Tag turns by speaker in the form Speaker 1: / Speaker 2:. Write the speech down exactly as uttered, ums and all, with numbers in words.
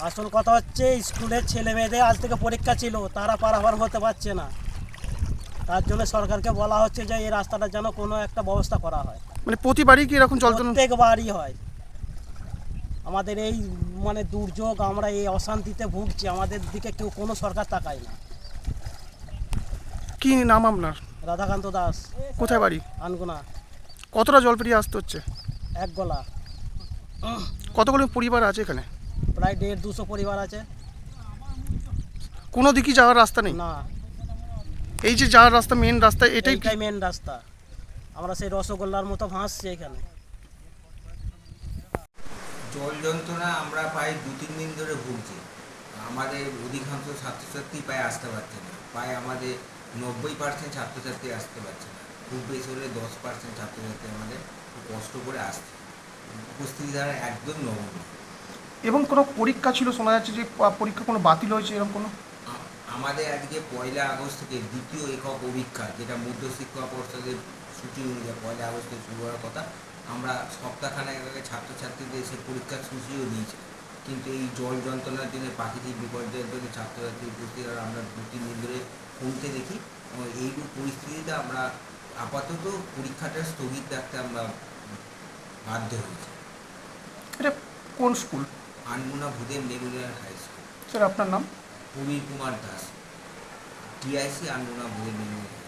Speaker 1: আসল কথা হচ্ছে স্কুলের ছেলে মেয়েদের আজ থেকে পরীক্ষা ছিল, তারা পারাপার হতে পারছে না। তার জন্য সরকারকে বলা হচ্ছে যে এই রাস্তাটার যেন কোনো একটা ব্যবস্থা করা হয়।
Speaker 2: মানে প্রতিবারই কি এরকম জল যন্ত্রণা?
Speaker 1: প্রত্যেকবারই হয়। আমাদের এই মানে দুর্যোগ, আমরা এই অশান্তিতে ভুগছি, আমাদের দিকে কেউ কোনো সরকার তাকায় না।
Speaker 2: কি নাম আপনার?
Speaker 1: রাধাকান্ত দাস,
Speaker 2: কোথায় বাড়ি?
Speaker 1: আনগুনা,
Speaker 2: কতটা জল পেরিয়ে আসতে হচ্ছে?
Speaker 1: এক গলা।
Speaker 2: কতগুলো পরিবার আছে এখানে?
Speaker 1: প্রায় দেড় দুশো পরিবার আছে।
Speaker 2: কোনো দিকই যাওয়ার রাস্তা নেই?
Speaker 1: না,
Speaker 2: এই যে যাওয়ার রাস্তা, মেন রাস্তা, এটাই কি?
Speaker 1: এইটাই মেন রাস্তা। আমরা সেই রসগোল্লার মতো ভাসছি এখানে।
Speaker 3: জল যন্ত্রণা আমরা প্রায় দু তিন দিন ধরে ভুগছি। আমাদের অধিকাংশ ছাত্রছাত্রী প্রায় আসতে পারছে না, প্রায় আমাদের নব্বই পার্সেন্ট ছাত্রছাত্রী আসতে পারছে না। খুব বেশি হলে দশ পার্সেন্ট ছাত্রছাত্রী আমাদের খুব কষ্ট করে আসছে। উপস্থিতি দ্বারা একদম নগণ্য।
Speaker 2: এবং কোনো পরীক্ষা ছিল, শোনা যাচ্ছে যে প- পরীক্ষা কোনো বাতিল হয়েছে, এরকম কোনো?
Speaker 3: আ- আমাদের আজকে পয়লা আগস্ট থেকে দ্বিতীয় একক অভিক্ষা, যেটা মধ্যশিক্ষা পর্ষদের সূচি অনুযায়ী পয়লা আগস্টে শুরু হওয়ার কথা, আমরা সপ্তাহখানেক আগে ছাত্রছাত্রীদের এসে পরীক্ষার সূচিও দিয়েছি। কিন্তু এই জল যন্ত্রণার জন্য, প্রাকৃতিক বিপর্যয়ের জন্য ছাত্রছাত্রী উপস্থিত হওয়ার আমরা দু তিন দিন ধরে কমতে দেখি। এবং এইরূপ পরিস্থিতিতে আমরা আপাতত পরীক্ষাটা স্থগিত রাখতে আমরা বাধ্য হয়েছি।
Speaker 2: এটা কোন school?
Speaker 3: Anmuna Bhudeb memorial high school.
Speaker 2: Sir আপনার নাম?
Speaker 3: Prabir Kumar Das, TIC Anmuna Bhudeb Memorial.